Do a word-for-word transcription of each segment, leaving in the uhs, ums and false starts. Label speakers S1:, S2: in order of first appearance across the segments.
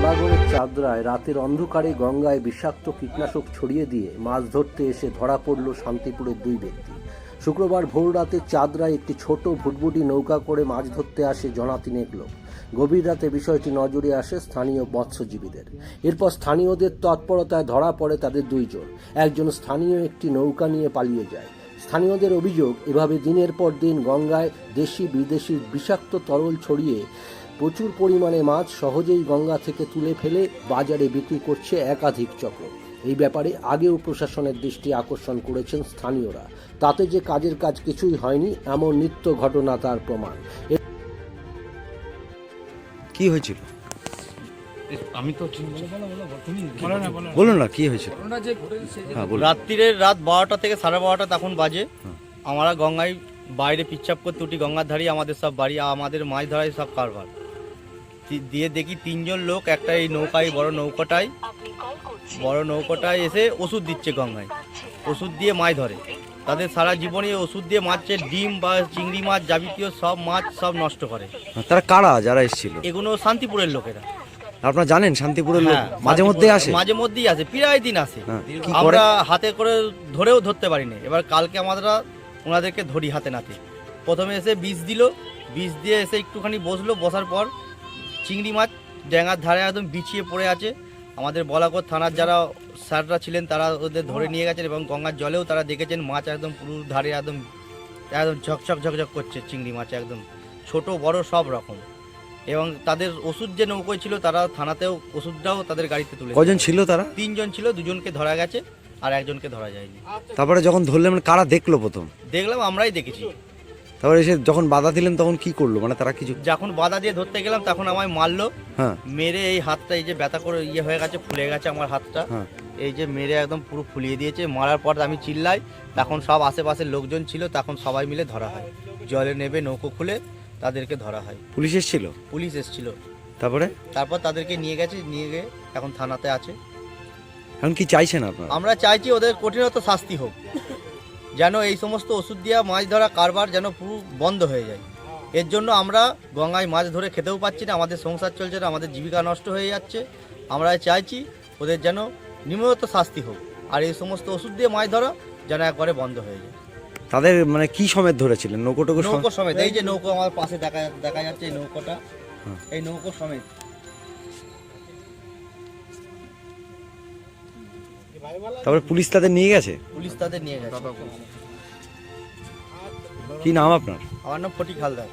S1: বরাগড়ের চাঁদরায় রাতের অন্ধকারে গঙ্গায় বিষাক্ত কীটনাশক ছড়িয়ে দিয়ে মাছ ধরতে এসে ধরা পড়ল শান্তিপুরের দুই ব্যক্তি। শুক্রবার ভোররাতে চাঁদরায় একটি ছোট ভুটভুটি নৌকা করে মাছ ধরতে আসে জনা তিনেক লোক। গভীর রাতে বিষয়টি নজরে আসে স্থানীয় মৎস্যজীবীদের। এরপর স্থানীয়দের তৎপরতায় ধরা পড়ে তাদের দুইজন। একজন স্থানীয় একটি নৌকা নিয়ে পালিয়ে যায়। স্থানীয়দের অভিযোগ, এভাবে দিনের পর দিন গঙ্গায় দেশি বিদেশি বিষাক্ত তরল ছড়িয়ে প্রচুর পরিমাণে মাছ সহজেই গঙ্গা থেকে তুলে ফেলে বাজারে বিক্রি করছে একাধিক চক্র। এই ব্যাপারে আগেও প্রশাসনের দৃষ্টি আকর্ষণ করেছেন স্থানীয়রা। তাতে যে কাজের কাজ কিছুই হয়নি এমন নিত্য ঘটনা তার প্রমাণ।
S2: কি হয়েছিল?
S3: আমি তো
S2: বলুন না কি হয়েছিল।
S4: রাত্রিরে রাত বারোটা থেকে সাড়ে বারোটা তখন বাজে। আমরা গঙ্গায় বাইরে পিচ্ছাপ করতে উঠি, গঙ্গার ধারে আমাদের সব বাড়ি, আমাদের মাছ ধরাই সব কারবার। দিয়ে দেখি তিনজন লোক একটা এই নৌকায় বড় নৌকাটায় বড় নৌকাটায় এসে ওষুধ দিচ্ছে গঙ্গায়। ওষুধ দিয়ে মাছ ধরে। তাদের সারা জীবনে ওষুধ দিয়ে মাছের ডিম বা চিংড়ি মাছ যাবতীয় সব মাছ সব নষ্ট করে।
S2: তারা কারা যারা এসেছিল?
S4: এগুলো শান্তিপুরের লোকেরা।
S2: আপনারা জানেন শান্তিপুরের লোক
S4: হ্যাঁ,
S2: মাঝে মধ্যে আসে?
S4: মাঝে মধ্যেই আসে, প্রায় দিন আসে।
S2: হ্যাঁ, কি করে?
S4: আমরা হাতে করে ধরেও ধরতে পারিনি। এবার কালকে আমরা ওনাদেরকে ধরি হাতে নাতে। প্রথমে এসে বিষ দিল, বিষ দিয়ে এসে একটুখানি বসলো, বসার পর চিংড়ি মাছ ড্যাঙার ধারে একদম বিছিয়ে পড়ে আছে। আমাদের বলাগড় থানার যারা স্যাররা ছিলেন তারা ওদের ধরে নিয়ে গেছেন এবং গঙ্গার জলেও তারা দেখেছেন মাছ একদম পুরো ধারে একদম একদম ঝকঝক ঝকঝক করছে চিংড়ি মাছ, একদম ছোট বড় সব রকম। এবং তাদের ওষুধ যে নৌকোয় ছিল তারা থানাতেও ওষুধটাও তাদের গাড়িতে তুলে।
S2: কজন ছিল তারা?
S4: তিনজন ছিল, দুজনকে ধরা গেছে আর একজনকে ধরা যায়নি।
S2: তারপরে যখন ধরলেন মানে কারা দেখলো প্রথম?
S4: দেখলাম আমরাই দেখেছি।
S2: তারপরে এসে যখন বাধা দিলেন তখন কি করলো, মানে তারা কিছু?
S4: যখন বাধা দিয়ে ধরতে গেলাম তখন আমায় মারলো।
S2: হ্যাঁ,
S4: মেরে এই হাতটা এই যে ব্যথা করে ইয়ে হয়ে গেছে, ফুলে গেছে আমার হাতটা।
S2: হ্যাঁ,
S4: এই যে মেরে একদম পুরো ফুলিয়ে দিয়েছে। মারার পর আমি চিল্লাই, তখন সব আশেপাশের লোকজন ছিল, তখন সবাই মিলে ধরা হয়। জলে নেবে নৌকো খুলে তাদেরকে ধরা হয়।
S2: পুলিশ এসেছিল?
S4: পুলিশ এসেছিল।
S2: তারপরে
S4: তারপর তাদেরকে নিয়ে গেছে, নিয়ে গিয়ে এখন থানাতে আছে।
S2: এখন কি চাইছেন আপনারা?
S4: আমরা চাইছি ওদের কঠিনত শাস্তি হোক, যেন এই সমস্ত ওষুধ দেওয়া মাছ ধরা কারবার যেন পুরো বন্ধ হয়ে যায়। এর জন্য আমরা গঙ্গায় মাছ ধরে খেতেও পাচ্ছি না, আমাদের সংসার চলছে না, আমাদের জীবিকা নষ্ট হয়ে যাচ্ছে। আমরা চাইছি ওদের যেন নিম্নত শাস্তি হোক, আর এই সমস্ত ওষুধ দিয়ে মাছ ধরা যেন একবারে বন্ধ হয়ে যায়।
S2: তাদের মানে কি সমেত ধরেছিলেন? নৌকো টুকু
S4: নৌকো সমেত। এই যে নৌকো আমার পাশে দেখা দেখা যাচ্ছে, এই নৌকোটা, এই নৌকো সমেত।
S2: তারপরে পুলিশ তাদের নিয়ে গেছে?
S4: পুলিশ তাদের নিয়ে গেছে।
S2: কি নাম আপনার?
S4: আমার নাম ফটিক হালদার।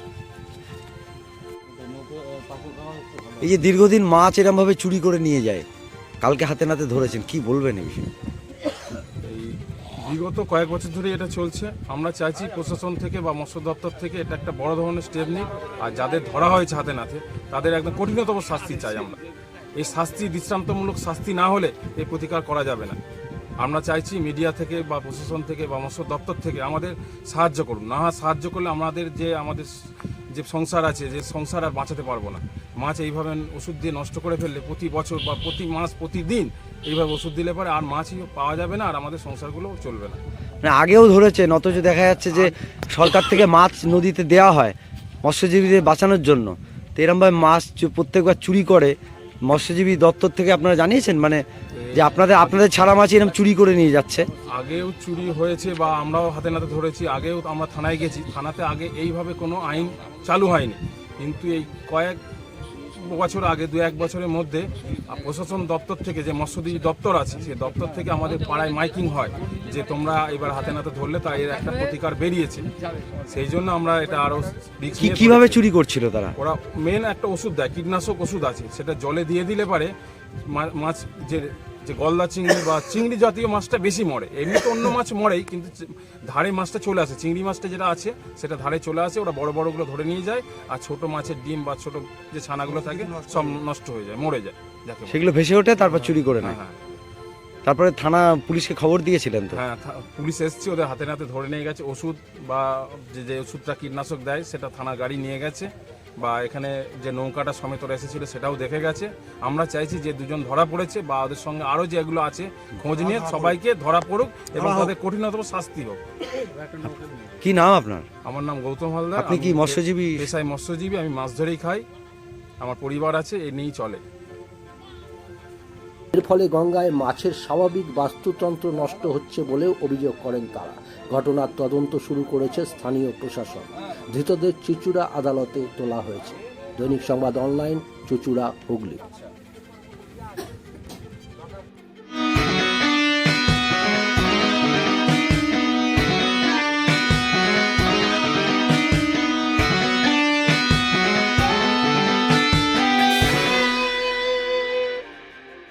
S2: এই যে দীর্ঘদিন মাছ এরম ভাবে চুরি করে নিয়ে যায়, কালকে হাতে নাতে ধরেছেন, কি বলবেন এই বিষয়ে?
S3: এই বিগত কয়েক বছর ধরে এটা চলছে। আমরা চাইছি প্রশাসন থেকে বা মৎস্য দপ্তর থেকে এটা একটা বড় ধরনের স্টেপ নিক, আর যাদের ধরা হয়েছে হাতে নাতে তাদের একদম কঠিনতম শাস্তি চাই আমরা। এই শাস্তি দৃষ্টান্তমূলক শাস্তি না হলে এই প্রতিকার করা যাবে না। আমরা চাইছি মিডিয়া থেকে বা প্রশাসন থেকে বা মৎস্য দপ্তর থেকে আমাদের সাহায্য করুন। না সাহায্য করলে আমাদের যে আমাদের যে সংসার আছে, যে সংসার আর বাঁচাতে পারবো না। মাছ এইভাবে ওষুধ দিয়ে নষ্ট করে ফেললে প্রতি বছর বা প্রতি মাস প্রতিদিন এইভাবে ওষুধ দিলে পরে আর মাছই পাওয়া যাবে না, আর আমাদের সংসারগুলোও চলবে না।
S2: মানে আগেও ধরেছেন, অথচ দেখা যাচ্ছে যে সরকার থেকে মাছ নদীতে দেওয়া হয় মৎস্যজীবীদের বাঁচানোর জন্য, তো এরমভাবে মাছ প্রত্যেকবার চুরি করে মৎস্যজীবী দপ্তর থেকে আপনারা জানিয়েছেন মানে যে আপনাদের আপনাদের ছাড়া মাছ এরকম চুরি করে নিয়ে যাচ্ছে?
S3: আগেও চুরি হয়েছে বা আমরাও হাতে নাতে ধরেছি, আগেও আমরা থানায় গেছি। থানাতে আগে এইভাবে কোনো আইন চালু হয়নি, কিন্তু এই কয়েক বছর আগে দু এক বছরের মধ্যে প্রশাসন দপ্তর থেকে যে মৎস্যজীবী দপ্তর আছে সেই দপ্তর থেকে আমাদের পাড়ায় মাইকিং হয় যে তোমরা এবার হাতে নাতে ধরলে তাই এর একটা প্রতিকার বেরিয়েছে। সেই জন্য আমরা এটা আরও
S2: কিভাবে চুরি করছিল তারা?
S3: ওরা মেন একটা ওষুধ দেয়, কীটনাশক ওষুধ আছে, সেটা জলে দিয়ে দিলে পারে মাছ যে যে গলদা চিংড়ি বা চিংড়ি জাতীয় মাছটা বেশি মরে। এমনি তো অন্য মাছ মরেই, কিন্তু ধারে মাছটা চলে আসে, চিংড়ি মাছটা যেটা আছে সেটা ধারে চলে আসে, ওরা বড় বড়গুলো ধরে নিয়ে যায়, আর ছোট মাছের ডিম বা ছোট যে ছানাগুলো থাকে সব নষ্ট হয়ে যায়, মরে যায়,
S2: সেগুলো ভেসে ওঠে, তারপর চুরি করে নেয়।
S3: হ্যাঁ,
S2: তারপরে থানা পুলিশকে খবর দিয়েছিলেন তো?
S3: হ্যাঁ, পুলিশ এসছে, ওদের হাতে নাতে ধরে নিয়ে গেছে। ওষুধ বা যে যে ওষুধটা কীটনাশক দেয় সেটা থানা গাড়ি নিয়ে গেছে, বা এখানে যে নৌকাটা সমেত ওরা এসেছিল সেটাও দেখে গেছে। আমরা চাইছি যে দুজন ধরা পড়েছে বা ওদের সঙ্গে আরও যেগুলো আছে খোঁজ নিয়ে সবাইকে ধরা পড়ুক এবং তাদের কঠিনতম শাস্তি হোক।
S2: কি নাম আপনার?
S3: আমার নাম গৌতম হালদার।
S2: আপনি কি মৎস্যজীবী?
S3: পেশায় মৎস্যজীবী, আমি মাছ ধরেই খাই, আমার পরিবার আছে, এ নিয়েই চলে।
S1: এর ফলে গঙ্গায় মাছের স্বাভাবিক বাস্তুতন্ত্র নষ্ট হচ্ছে বলেও অভিযোগ করেন তারা। ঘটনার তদন্ত শুরু করেছে স্থানীয় প্রশাসন। ধৃতদের চুঁচুড়া আদালতে তোলা হয়েছে। দৈনিক সংবাদ অনলাইন, চুঁচুড়া, হুগলি।